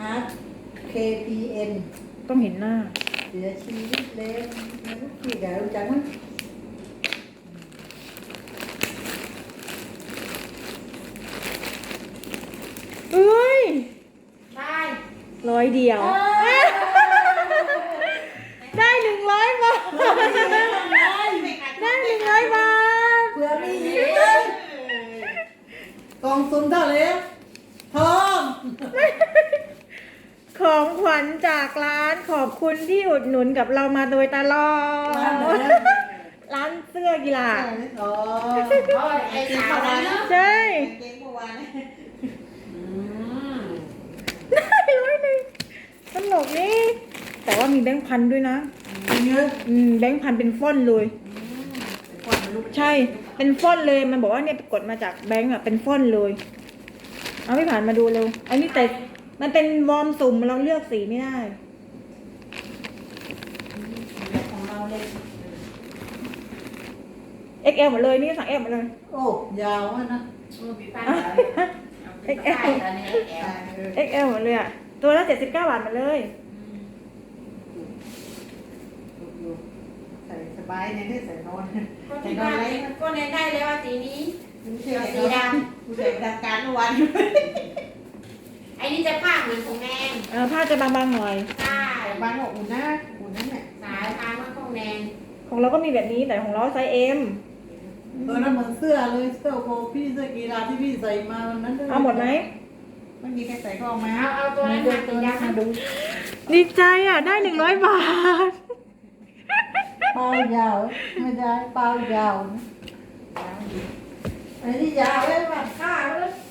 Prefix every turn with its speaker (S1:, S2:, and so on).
S1: อาร์ต KPN
S2: ต้องเห็นหน้า
S1: เสียชีวิตแล้วนะลูกพี่เดี๋ยวรู้จักมั้ย
S2: เอ้ย
S3: ใช่
S2: 100 เดียว ได้100 บาท ได้100 บาท
S1: เผื่อมีอีกเลยกองทุนเท่าไหร่พร้อม
S2: ของขวัญจากร้านขอบคุณที่อุดหนุนกับเรามาโดยตลอด
S1: ร้านไหน
S2: ร้านเสื้อกีฬา
S1: อ๋อ
S3: เพราะไอ้สาวนั้นเนาะ
S2: ใช่
S1: เก่งเมื่อวาน
S2: ได้100ตลกนี่ แต่ว่ามีแบงค์พันด้วยนะ
S1: เยอะ
S2: แบงค์พันเป็นฟอนต์เลย ใช่ เป็นฟอนต์เลย มันบอกว่าเนี่ยกดมาจากแบงค์อ่ะ เป็นฟอนต์เลย เอาไม่ผ่านมาดูเร็วอันนี้แต่มันเป็นวอร์มสุ่มเราเลือกสีไม่ได้
S1: ของเราเลย
S2: XL หมดเลยนี่สั่ง L หมดเลย
S1: โอ้ยาวอะนะ
S3: ปีป้าเอ็กแอลตอนนี้เอ็กแอล
S2: XL หมดเลยอ่ะ ตัวละ79 บาทหมาเลย
S1: ใส่สบายเนี่ยได้ใส่นอน
S3: ก็
S1: ใส่
S3: ที่
S1: นอ
S3: บ้าน น
S1: อะไร
S3: ก็เน้นได้แล้วว่าสีนี้
S1: สีดำกูใส่ประจำการเมื่อวาน
S3: ไอ้นี่จะผ้าเหมือนของแนง
S2: ผ้าจะบางๆหน่อย
S3: ใช่
S1: บ้านบอกอุ่นนะอุ่นนั่นแหละ
S3: สายผ้ามันของแนง
S2: ของเราก็มีแบบนี้แต่ของเราไซส์ M
S1: นั่นเหมือนเสื้อเลยเสื้อโคพี่เสื้อกีฬาที่พี่ใส่มาวันนั้น
S2: เอาหมดไหม
S1: ไม่มีใครใส่ก็เอามา
S3: เอาตัวนั้นมาสีดำ
S1: มาดู
S2: ดีใจอ่ะ ได้100 บาท
S1: เปล่ายาวไม่ได้เปล่ายาวนะอันนี้ยาวเลยป่ะ
S3: ผ้าเลย